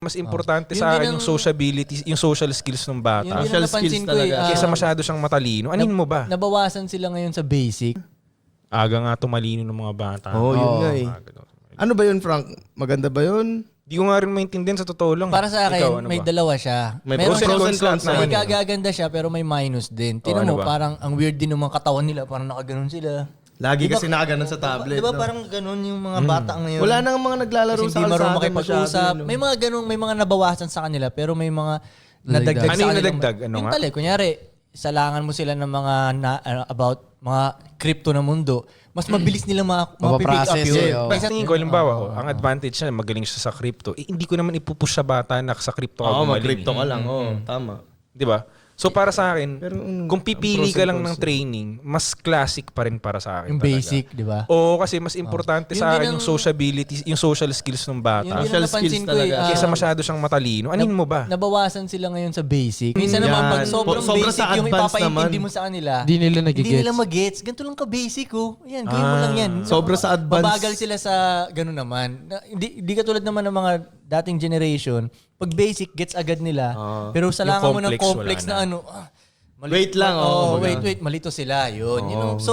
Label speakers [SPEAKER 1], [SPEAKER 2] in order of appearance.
[SPEAKER 1] Mas importante
[SPEAKER 2] Yun
[SPEAKER 1] sa
[SPEAKER 2] din
[SPEAKER 1] akin
[SPEAKER 2] ang-
[SPEAKER 1] yung sociability, yung social skills ng bata.
[SPEAKER 2] Yun din
[SPEAKER 3] Social
[SPEAKER 2] ang napansin
[SPEAKER 3] skills
[SPEAKER 2] ko
[SPEAKER 3] talaga.
[SPEAKER 1] Kesa masyado siyang matalino. Anin mo ba?
[SPEAKER 2] Nabawasan sila ngayon sa basic.
[SPEAKER 1] Aga nga tumalino ng mga bata.
[SPEAKER 3] Oo, yun nga eh.
[SPEAKER 1] Aga daw.
[SPEAKER 3] Ano ba yun, Frank? Maganda ba yun?
[SPEAKER 1] Di ko nga rin maintindihan sa totoo lang.
[SPEAKER 2] Para sa akin,
[SPEAKER 1] Ikaw, ano
[SPEAKER 2] may
[SPEAKER 1] ba?
[SPEAKER 2] dalawa siya.
[SPEAKER 3] May
[SPEAKER 2] Meron
[SPEAKER 3] pros and
[SPEAKER 1] cons
[SPEAKER 3] cons
[SPEAKER 1] naman
[SPEAKER 2] may
[SPEAKER 1] eh.
[SPEAKER 2] kagaganda siya pero may minus din. Tinan
[SPEAKER 1] ano
[SPEAKER 2] mo,
[SPEAKER 1] ba?
[SPEAKER 2] parang ang weird din ng mga katawan nila. Parang nakaganon sila.
[SPEAKER 3] Lagi
[SPEAKER 2] Diba-
[SPEAKER 3] kasi nakaganon sa tablet.
[SPEAKER 2] Diba
[SPEAKER 3] no?
[SPEAKER 2] parang ganon yung mga bata ngayon?
[SPEAKER 3] Wala nang mga naglalaro
[SPEAKER 2] Kasi
[SPEAKER 3] sa
[SPEAKER 2] hindi marunong
[SPEAKER 3] kalsada
[SPEAKER 2] makipag-usap.
[SPEAKER 3] masyado, no?
[SPEAKER 2] May mga ganun, may mga nabawasan sa kanila pero may mga nadagdag
[SPEAKER 1] Ano
[SPEAKER 2] sa
[SPEAKER 1] yung
[SPEAKER 2] kanila.
[SPEAKER 1] nadagdag? Ano
[SPEAKER 2] yung
[SPEAKER 1] nga?
[SPEAKER 2] tali, kunyari, salangan mo sila ng mga about mga crypto na mundo. Mas mabilis nilang mapipick up
[SPEAKER 4] Mapaprocess
[SPEAKER 2] yun.
[SPEAKER 4] eh, oh.
[SPEAKER 1] Kasi tingin ko, halimbawa, ang advantage niya, magaling siya sa crypto. hindi ko naman ipupush sa bata na sa crypto ka
[SPEAKER 3] Oo,
[SPEAKER 1] gumaling.
[SPEAKER 3] mag-crypto ka lang. Oo, tama.
[SPEAKER 1] Di ba? So para sa akin,
[SPEAKER 3] Pero,
[SPEAKER 1] kung pipili
[SPEAKER 3] ang
[SPEAKER 1] ka
[SPEAKER 3] pros and
[SPEAKER 1] lang
[SPEAKER 3] cons
[SPEAKER 1] ng training, mas classic pa rin para sa akin.
[SPEAKER 2] Yung
[SPEAKER 1] talaga.
[SPEAKER 2] basic, di ba?
[SPEAKER 1] Oo, kasi mas importante
[SPEAKER 2] Yun
[SPEAKER 1] sa
[SPEAKER 2] din
[SPEAKER 1] akin
[SPEAKER 2] ang-
[SPEAKER 1] yung sociability, yung social skills ng bata.
[SPEAKER 2] Yun din
[SPEAKER 3] Social
[SPEAKER 2] ang napansin
[SPEAKER 3] skills
[SPEAKER 2] ko eh.
[SPEAKER 3] talaga.
[SPEAKER 1] Kesa masyado siyang matalino. Anin mo ba?
[SPEAKER 2] Nabawasan sila ngayon sa basic. Minsan
[SPEAKER 3] Yan.
[SPEAKER 2] naman, pag sobrang
[SPEAKER 3] Sobra
[SPEAKER 2] basic
[SPEAKER 3] sa
[SPEAKER 2] yung
[SPEAKER 3] advance
[SPEAKER 2] ipapaintindi
[SPEAKER 3] naman.
[SPEAKER 2] mo sa kanila,
[SPEAKER 4] Di nila
[SPEAKER 2] hindi
[SPEAKER 4] nagigets.
[SPEAKER 2] nila mag-gets. Ganito lang ka-basic, oh. Yan, game mo lang yan.
[SPEAKER 3] Sobra sa advance.
[SPEAKER 2] Mabagal sila sa gano'n naman. Hindi katulad naman ng mga dating generation. Pag basic, gets agad nila. Pero sa
[SPEAKER 1] Yung
[SPEAKER 2] langan mo ng
[SPEAKER 1] complex,
[SPEAKER 2] complex
[SPEAKER 1] wala
[SPEAKER 2] na
[SPEAKER 1] na.
[SPEAKER 2] ano,
[SPEAKER 3] Wait lang,
[SPEAKER 2] oh,
[SPEAKER 3] kumbaga.
[SPEAKER 2] wait, malito sila. Yun. You know? So,